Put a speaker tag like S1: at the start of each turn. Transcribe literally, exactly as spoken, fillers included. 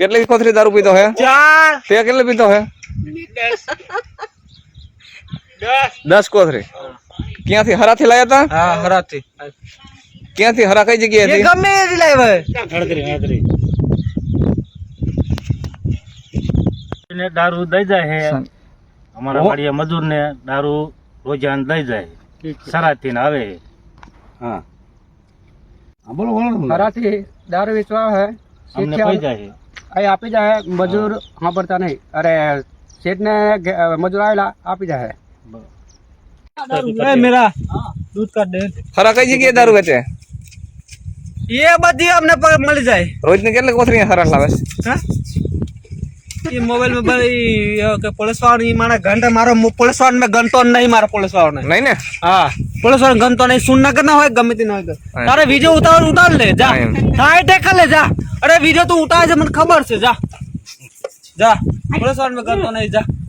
S1: કેટલી કોથરી દારૂ પીતો હે?
S2: ચાર
S1: તે કેટલી પીતો હે? દસ કોથરી. ક્યાંથી હરાથી લાયા તા?
S2: હા હરાથી
S1: ક્યાંથી હરા કઈ જગ્યાએ
S2: એ
S1: હતી?
S2: ગમે એ લાવે
S3: હળદરી હળદરી ને દારૂ દઈ જાય હે અમારા વાડિયા મજૂર ને દારૂ રોજાન દઈ જાય સરાથી ને આવે હા હા બોલો બોલો
S2: હરાથી દારૂ વેચવા હે
S3: અમને પૈ જાય
S2: અહીં આપી જાય મજૂર સાંભળતા નહીં અરે શેઠ ને મજૂર આવેલા આપી જાય મેરા દૂધ કાઢ દે
S1: હરા કઈ જગ્યાએ દારૂ વેચે?
S2: એ બધી અમને મળી જાય
S1: રોજ ની કેટલી કોથરી હરા લાવે?
S2: ये मोबाइल में भाई के पुलिस वाला मारा घंटा मारो पुलिस वाला में गन तो नहीं मारा पुलिस वाला ने
S1: નહીં ને?
S2: हाँ पुलिस वाला गन तो नहीं सुनना करना हो गमे तीन हो तारे वीडियो उतार उतार ले जा हाय देख ले जा अरे वीडियो तो उतार से मन खबर से जा जा पुलिस वाला में गन तो नहीं जा